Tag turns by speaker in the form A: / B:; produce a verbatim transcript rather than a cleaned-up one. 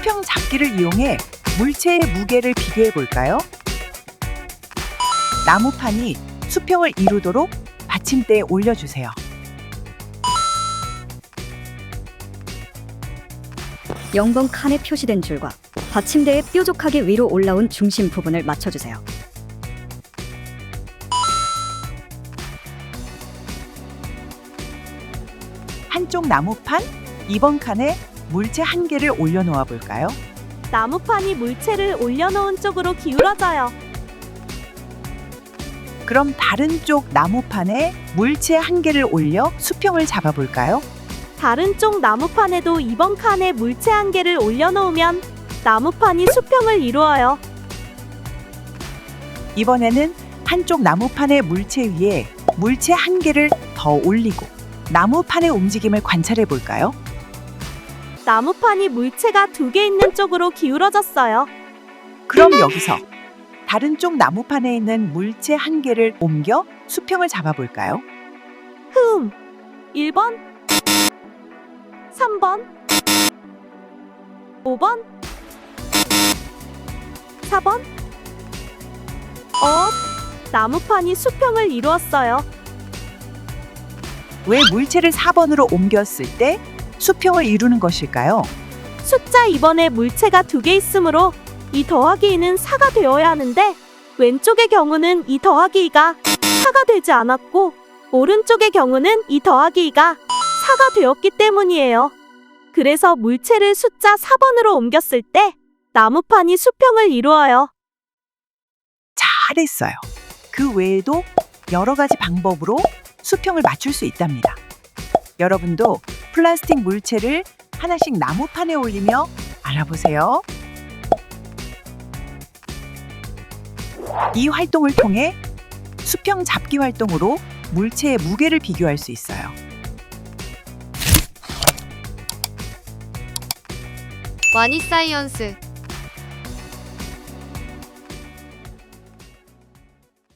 A: 수평 잡기를 이용해 물체의 무게를 비교해 볼까요? 나무판이 수평을 이루도록 받침대에 올려주세요.
B: 영 번 칸에 표시된 줄과 받침대에 뾰족하게 위로 올라온 중심 부분을 맞춰주세요.
A: 한쪽 나무판 이 번 칸에 물체 한 개를 올려놓아 볼까요?
C: 나무판이 물체를 올려놓은 쪽으로 기울어져요.
A: 그럼 다른 쪽 나무판에 물체 한 개를 올려 수평을 잡아 볼까요?
C: 다른 쪽 나무판에도 이 번 칸에 물체 한 개를 올려놓으면 나무판이 수평을 이루어요.
A: 이번에는 한쪽 나무판의 물체 위에 물체 한 개를 더 올리고 나무판의 움직임을 관찰해 볼까요?
C: 나무판이 물체가 두 개 있는 쪽으로 기울어졌어요.
A: 그럼 여기서 다른 쪽 나무판에 있는 물체 한 개를 옮겨 수평을 잡아 볼까요?
C: 흠. 일 번, 삼 번, 오 번, 사 번. 어, 나무판이 수평을 이루었어요.
A: 왜 물체를 사 번으로 옮겼을 때 수평을 이루는 것일까요?
C: 숫자 이 번에 물체가 두 개 있으므로 이 더하기 이는 사가 되어야 하는데 왼쪽의 경우는 이 더하기 이가 사가 되지 않았고 오른쪽의 경우는 이 더하기 이가 사가 되었기 때문이에요. 그래서 물체를 숫자 사 번으로 옮겼을 때 나무판이 수평을 이루어요.
A: 잘했어요. 그 외에도 여러 가지 방법으로 수평을 맞출 수 있답니다. 여러분도 플라스틱 물체를 하나씩 나무판에 올리며 알아보세요. 이 활동을 통해 수평 잡기 활동으로 물체의 무게를 비교할 수 있어요.
D: 와니사이언스